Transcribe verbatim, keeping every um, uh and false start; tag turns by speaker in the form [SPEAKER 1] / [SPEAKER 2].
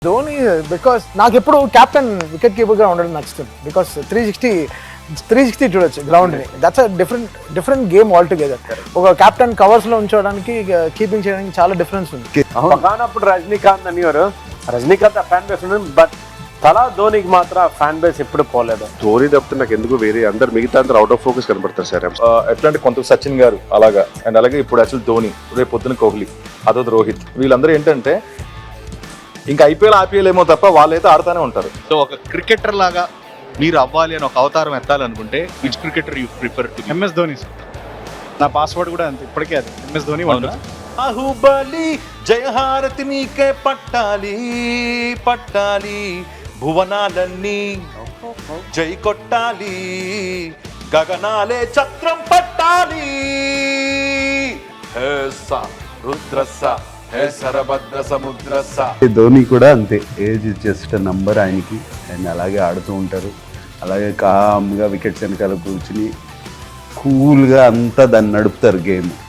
[SPEAKER 1] Dhoni because నాకు ఎప్పుడు captain wicket కీపర్గా ఉండడం నచ్చుతుంది. Because three sixty three sixty చూడొచ్చు గ్రౌండ్ని. That's a different different game all together. ఒక కెప్టెన్ కవర్స్లో ఉంచడానికి కీపింగ్ చేయడానికి చాలా డిఫరెన్స్ ఉంది.
[SPEAKER 2] ఒకనప్పుడు రజనీకాంత్ అనేవారు, రజనీకాంత్ ఫ్యాన్ బేస్ ఉంది, బట్ తలా ధోనికి మాత్రం ఫ్యాన్ బేస్ ఎప్పుడు పోలేదు.
[SPEAKER 3] ధోని తప్పితే నాకు ఎందుకు వేరే అందరు మిగతా అందరు అవుట్ ఆఫ్ ఫోకస్ కనబడతారు సార్.
[SPEAKER 4] ఎట్లా అంటే కొంత సచిన్ గారు అలాగా, అండ్ అలాగే ఇప్పుడు అసలు ధోని, రేపు పొద్దున కోహ్లీ, అదో రోహిత్, వీళ్ళందరూ ఏంటంటే ఇంకా ఐపీఎల్ ఆపీఎల్ ఏమో తప్ప వాళ్ళైతే ఆడుతూనే ఉంటారు.
[SPEAKER 5] సో ఒక క్రికెటర్ లాగా మీరు అవ్వాలి అని ఒక అవతారం ఎత్తాలనుకుంటే which cricketer you prefer to?
[SPEAKER 6] MS Dhoni. నా పాస్వర్డ్ కూడా అంతే, ఇప్పటికే అది ఎంఎస్ ధోని.
[SPEAKER 7] బాహుబలి జయహారతి నీకే పట్టాలి పట్టాలి, భువనాలన్నీ జై కొట్టాలి, గగనాలే చక్రం పట్టాలి. హే స రుద్రస హే సరభద్ర సముద్రస.
[SPEAKER 8] ధోని కూడా అంతే, ఏజ్ జస్ట్ నంబర్ ఆయనకి. అండ్ అలాగే ఆడుతూ ఉంటారు, అలాగే కామ్గా వికెట్స్ వెనకాల కూర్చుని కూల్గా అంతా దాన్ని నడుపుతారు గేమ్.